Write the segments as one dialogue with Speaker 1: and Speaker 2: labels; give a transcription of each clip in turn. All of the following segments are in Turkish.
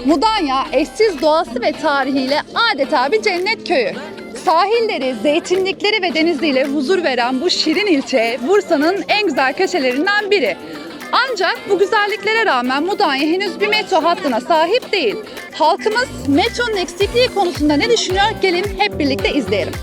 Speaker 1: Mudanya eşsiz doğası ve tarihiyle adeta bir cennet köyü. Sahilleri, zeytinlikleri ve deniziyle huzur veren bu şirin ilçe Bursa'nın en güzel köşelerinden biri. Ancak bu güzelliklere rağmen Mudanya henüz bir metro hattına sahip değil. Halkımız metronun eksikliği konusunda ne düşünüyor? Gelin hep birlikte izleyelim.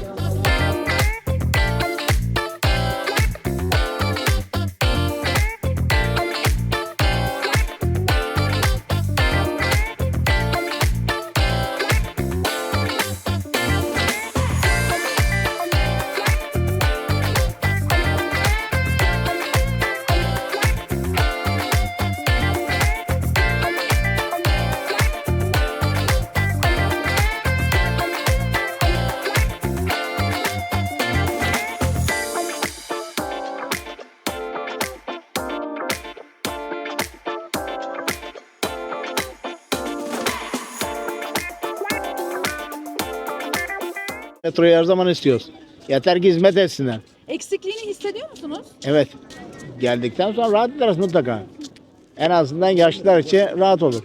Speaker 2: Metroyu her zaman istiyoruz. Yeter ki hizmet etsinler.
Speaker 1: Eksikliğini hissediyor musunuz?
Speaker 2: Evet. Geldikten sonra rahat ederiz mutlaka. En azından yaşlılar için rahat olur.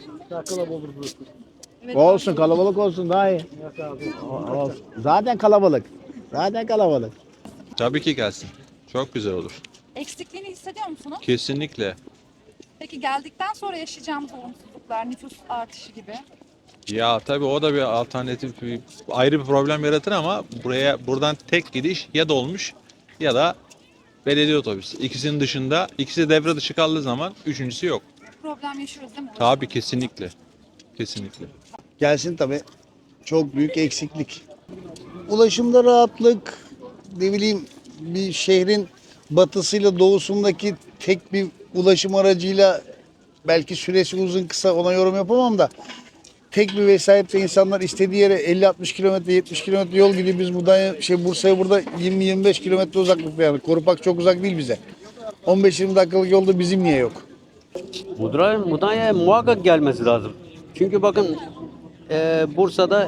Speaker 1: Evet,
Speaker 2: Olsun, kalabalık olsun daha iyi. Olsun. Zaten kalabalık. Zaten kalabalık.
Speaker 3: Tabii ki gelsin. Çok güzel olur.
Speaker 1: Eksikliğini hissediyor musunuz?
Speaker 3: Kesinlikle.
Speaker 1: Peki geldikten sonra yaşayacağımız olumsuzluklar, nüfus artışı gibi.
Speaker 3: Ya tabii o da bir alternatif, ayrı bir problem yaratır ama buradan tek gidiş ya dolmuş ya da belediye otobüsü. İkisinin dışında, ikisi devre dışı kaldığı zaman üçüncüsü yok.
Speaker 1: Problem yaşıyoruz değil mi?
Speaker 3: Tabii kesinlikle. Kesinlikle.
Speaker 4: Gelsin tabii. Çok büyük eksiklik. Ulaşımda rahatlık, ne bileyim bir şehrin batısıyla doğusundaki tek bir ulaşım aracıyla belki süresi uzun kısa ona yorum yapamam da tek bir vesayette insanlar istediği yere 50-60 kilometre 70 kilometre yol gidiyor. Biz buradan Bursa'ya burada 20-25 kilometre uzaklıkta yani. Korupak çok uzak değil bize. 15-20 dakikalık yolda bizim niye yok?
Speaker 5: Mudanya'ya muhakkak gelmesi lazım. Çünkü bakın Bursa'da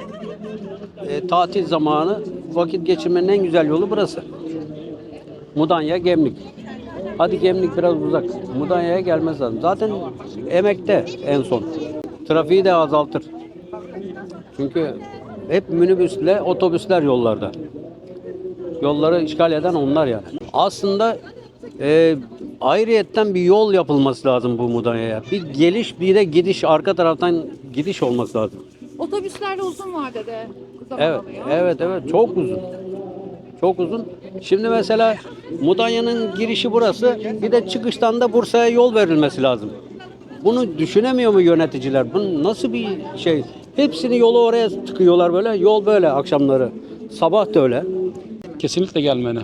Speaker 5: tatil zamanı vakit geçirmenin en güzel yolu burası. Mudanya, Gemlik. Hadi Gemlik biraz uzak. Mudanya'ya gelmesi lazım. Zaten emekte en son. Trafiği de azaltır. Çünkü hep minibüsle otobüsler yollarda. Yolları işgal eden onlar yani. Aslında ayrıyetten bir yol yapılması lazım bu Mudanya'ya. Bir geliş bir de gidiş, arka taraftan gidiş olması lazım.
Speaker 1: Otobüslerle uzun vadede zaman
Speaker 5: Evet,
Speaker 1: alıyor.
Speaker 5: evet, çok uzun. Çok uzun. Şimdi mesela Mudanya'nın girişi burası, bir de çıkıştan da Bursa'ya yol verilmesi lazım. Bunu düşünemiyor mu yöneticiler? Bu nasıl bir şey? Hepsini yolu oraya tıkıyorlar böyle. Yol böyle akşamları. Sabah da öyle.
Speaker 6: Kesinlikle gelmeli.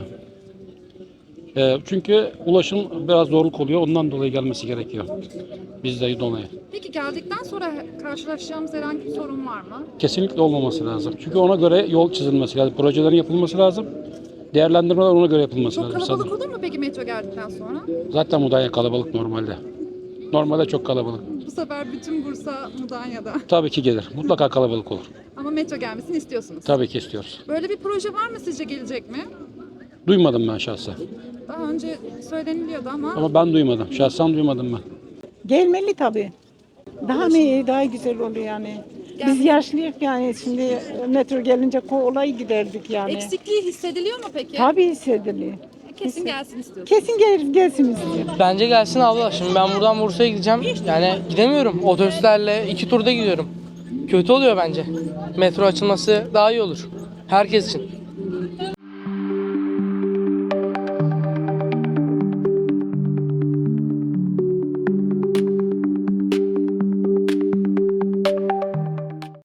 Speaker 6: Çünkü ulaşım biraz zorluk oluyor. Ondan dolayı gelmesi gerekiyor. Bizde dolayı.
Speaker 1: Peki geldikten sonra karşılaşacağımız herhangi bir sorun var mı?
Speaker 6: Kesinlikle olmaması lazım. Çünkü ona göre yol çizilmesi lazım. Projelerin yapılması lazım. Değerlendirmeler ona göre yapılması
Speaker 1: Çok
Speaker 6: lazım.
Speaker 1: kalabalık olur mu peki metro geldikten sonra?
Speaker 6: Zaten Mudanya kalabalık normalde. Normalde çok kalabalık.
Speaker 1: Bu sefer bütün Bursa Mudanya'da.
Speaker 6: Tabii ki gelir. Mutlaka kalabalık olur.
Speaker 1: Ama metro gelmesini istiyorsunuz.
Speaker 6: Tabii ki istiyoruz.
Speaker 1: Böyle bir proje var mı sizce, gelecek mi?
Speaker 6: Duymadım ben şahsen.
Speaker 1: Daha önce söyleniliyordu ama
Speaker 6: Ama ben duymadım. Şahsen duymadım ben.
Speaker 7: Gelmeli tabii. Daha mı iyi, daha güzel oluyor yani. Biz yaşlıyız yani şimdi metro gelince kolay giderdik yani.
Speaker 1: eksikliği hissediliyor mu peki?
Speaker 7: Tabii hissediliyor.
Speaker 1: Kesin gelsin istiyorsunuz.
Speaker 7: Kesin gelsin istiyor.
Speaker 8: Bence gelsin abla. Şimdi ben buradan Bursa'ya gideceğim. Yani gidemiyorum. Otobüslerle 2 turda gidiyorum. Kötü oluyor bence. Metro açılması daha iyi olur. Herkes için.